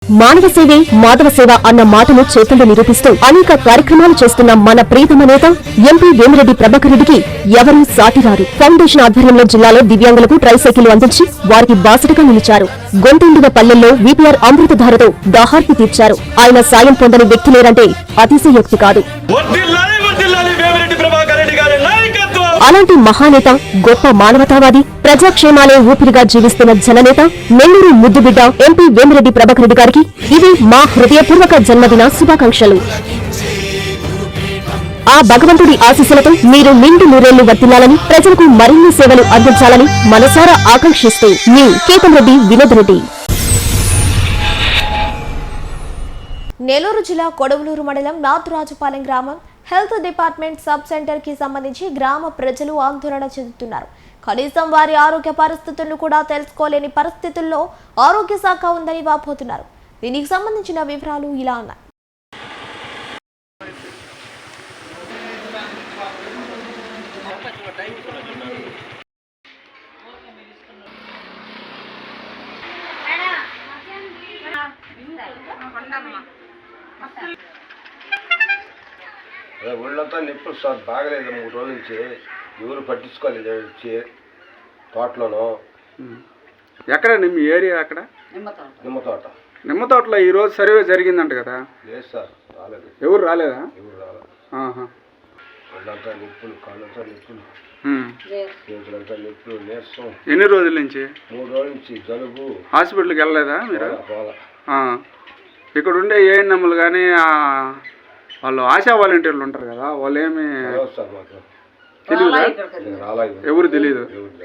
మానవ సేవే మాధవ సేవ అన్న మాటను చేతుల్లో నిరూపిస్తూ అనేక కార్యక్రమాలు చేస్తున్న మన ప్రియతమ నేత ఎంపీ వేమిరెడ్డి ప్రభాకర్ రెడ్డికి ఎవరూ సాటిరారు. ఫౌండేషన్ ఆధ్వర్యంలో జిల్లాలో దివ్యాంగులకు ట్రైసైకిల్ అందించి వారికి బాసటగా నిలిచారు. గొంతుండిన పల్లెల్లో వీపీఆర్ అమృతధారతో దాహార్తి తీర్చారు. ఆయన సాయం పొందని వ్యక్తి లేరంటే అతిశయోక్తి కాదు. అలాంటి మహానేత, గొప్ప మానవతావాది, ప్రజాక్షేమాలే ఊపిరిగా జీవిస్తున్న జననేత, నెల్లూరు ముద్దుబిడ్డ ఎంపీ వేమిరెడ్డి ప్రభాకర్ రెడ్డి గారికి ఇవి మా హృదయపూర్వక జన్మదిన శుభాకాంక్షలు. ఆ భగవంతుడి ఆశీస్సులతో మీరు నిండు నూరేళ్లు వర్తిల్లాలని, ప్రజలకు మరిన్ని సేవలు అందించాలని మనసారా ఆకాంక్షిస్తూ మీ కేతంరెడ్డి వినోద్ రెడ్డి. నెల్లూరు జిల్లా కొడవలూరు మండలం నాతురాజుపాలెం గ్రామం హెల్త్ డిపార్ట్మెంట్ సబ్ సెంటర్ కి సంబంధించి గ్రామ ప్రజలు ఆందోళన చెందుతున్నారు. కనీసం వారి ఆరోగ్య పరిస్థితులను కూడా తెలుసుకోలేని పరిస్థితుల్లో ఆరోగ్య శాఖ ఉందని వాపోతున్నారు. దీనికి సంబంధించిన వివరాలు ఇలా ఉన్నాయి. ఒళ్ళంతా నొప్పులు సార్ బాగలేదు. 3 రోజుల నుంచి ఎవరు పట్టించుకోలేదు. వచ్చి తోటలోనూ. ఎక్కడ మీ ఏరియా? అక్కడ నిమ్మ తోటలో ఈరోజు సర్వే జరిగిందంట కదా? లేదు సార్, రాలేదు. ఎవరు రాలేదా? ఎవరు రాలేదు. ఒళ్ళంతా నొప్పులు, కాళ్ళంతా నొప్పులు, చేతులంతా నొప్పులు, నీరసం. ఎన్ని రోజుల నుంచి? 3 రోజుల నుంచి జలుబు. హాస్పిటల్కి వెళ్ళలేదా మీరు? పోలా. ఇక్కడ ఉండే ఏఎన్ఎంలు కానీ వాళ్ళు ఆశా వాలంటీర్లు ఉంటారు కదా, వాళ్ళు ఏమి సార్ మాకు తెలియదా? ఎవరు తెలీదు.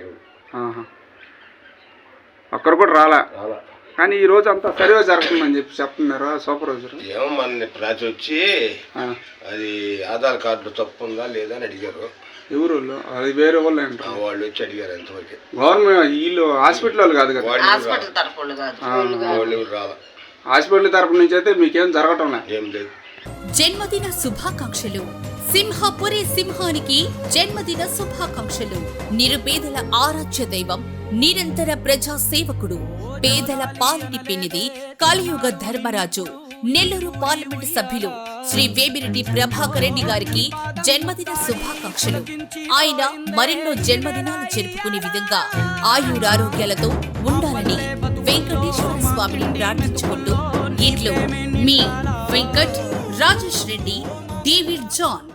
ఒక్కరు కూడా రాలా. కానీ ఈ రోజు అంతా సర్వే జరుగుతుందని చెప్తున్నారు సూపర్వైజర్. ఏమో మన ప్రాచ వచ్చి అది ఆధార్ కార్డు తప్పు ఉందా లేదా అని అడిగారు. ఎవరు? అది వేరే వాళ్ళు అంటారు. వాళ్ళు వచ్చి అడిగారు. ఎంతవరకు గవర్నమెంట్ వీళ్ళు హాస్పిటల్ వాళ్ళు కాదు కదా, వాళ్ళు రాలా. హాస్పిటల్ తరపు నుంచి అయితే మీకేం జరగటం ఏం లేదు. జన్మదిన శుభాకాంక్షలు. సింహపురి సింహానికి జన్మదిన శుభాకాంక్షలు. నిరుపేదల ఆరాధ్య దైవం, నిరంతర ప్రజా సేవకుడు, పేదల పాలిటి పెన్నిది, కలియుగ ధర్మరాజు, నెల్లూరు పార్లమెంటు సభ్యులు శ్రీ వేమిరెడ్డి ప్రభాకర్ రెడ్డి గారికి జన్మదిన శుభాకాంక్షలు. ఆయన మరెన్నో జన్మదినాలు జరుపుకునే విధంగా ఆయురారోగ్యాలతో ఉండాలని వెంకటేశ్వర స్వామిని ప్రార్థించుకుంటూ ఇంట్లో మీ వెంకట్, రాజేష్ రెడ్డి, డేవిడ్ జాన్.